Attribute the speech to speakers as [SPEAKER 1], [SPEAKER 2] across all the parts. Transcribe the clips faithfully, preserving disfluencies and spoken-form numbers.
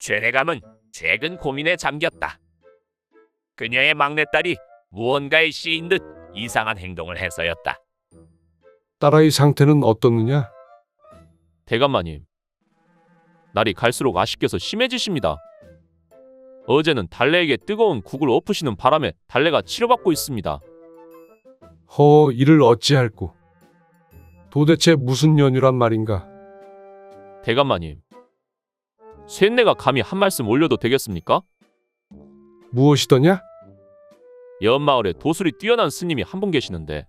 [SPEAKER 1] 최대감은 최근 고민에 잠겼다. 그녀의 막내딸이 무언가에 씌인 듯 이상한 행동을 해서였다.
[SPEAKER 2] 딸아이 상태는 어떻느냐?
[SPEAKER 3] 대감마님, 날이 갈수록 아쉽게서 심해지십니다. 어제는 달래에게 뜨거운 국을 엎으시는 바람에 달래가 치료받고 있습니다.
[SPEAKER 2] 허, 이를 어찌할꼬. 도대체 무슨 연유란 말인가?
[SPEAKER 3] 대감마님, 쇳내가 감히 한 말씀 올려도 되겠습니까?
[SPEAKER 2] 무엇이더냐?
[SPEAKER 3] 연마을에 도술이 뛰어난 스님이 한 분 계시는데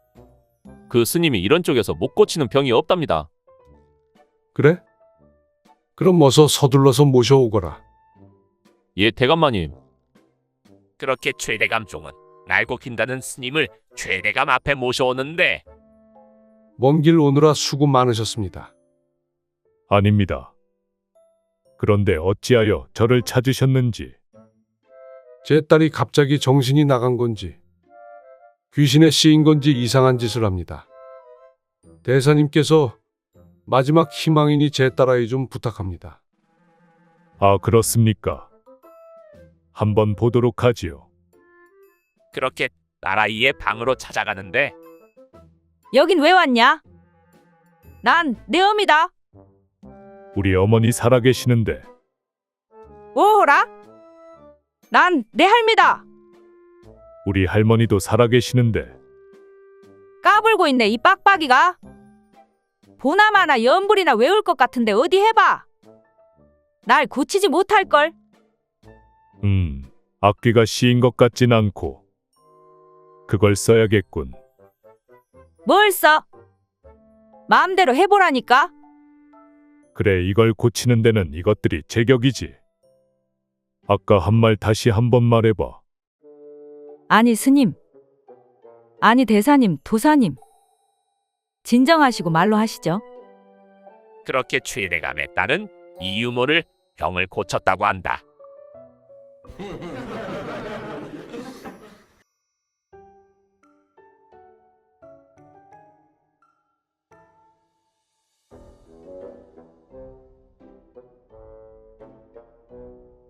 [SPEAKER 3] 그 스님이 이런 쪽에서 못 고치는 병이 없답니다.
[SPEAKER 2] 그래? 그럼 어서 서둘러서 모셔오거라.
[SPEAKER 3] 예, 대감마님.
[SPEAKER 1] 그렇게 최대감 종은 날고 긴다는 스님을 최대감 앞에 모셔오는데
[SPEAKER 2] 먼 길 오느라 수고 많으셨습니다.
[SPEAKER 4] 아닙니다. 그런데 어찌하여 저를 찾으셨는지.
[SPEAKER 2] 제 딸이 갑자기 정신이 나간 건지 귀신에 씌인 건지 이상한 짓을 합니다. 대사님께서 마지막 희망이니 제 딸아이 좀 부탁합니다.
[SPEAKER 4] 아, 그렇습니까? 한번 보도록 하지요.
[SPEAKER 1] 그렇게 딸아이의 방으로 찾아가는데
[SPEAKER 5] 여긴 왜 왔냐? 난 내 어미다.
[SPEAKER 4] 우리 어머니 살아계시는데.
[SPEAKER 5] 오호라? 난 내 할미다.
[SPEAKER 4] 우리 할머니도 살아계시는데.
[SPEAKER 5] 까불고 있네 이 빡빡이가. 보나마나 연불이나 외울 것 같은데 어디 해봐. 날 고치지 못할걸.
[SPEAKER 4] 음, 악귀가 씌인 것 같진 않고. 그걸 써야겠군.
[SPEAKER 5] 뭘 써? 마음대로 해보라니까.
[SPEAKER 4] 그래, 이걸 고치는 데는 이것들이 제격이지. 아까 한 말 다시 한번 말해봐.
[SPEAKER 5] 아니 스님. 아니 대사님, 도사님. 진정하시고 말로 하시죠.
[SPEAKER 1] 그렇게 최대감의 딸은 이 유모를 병을 고쳤다고 한다.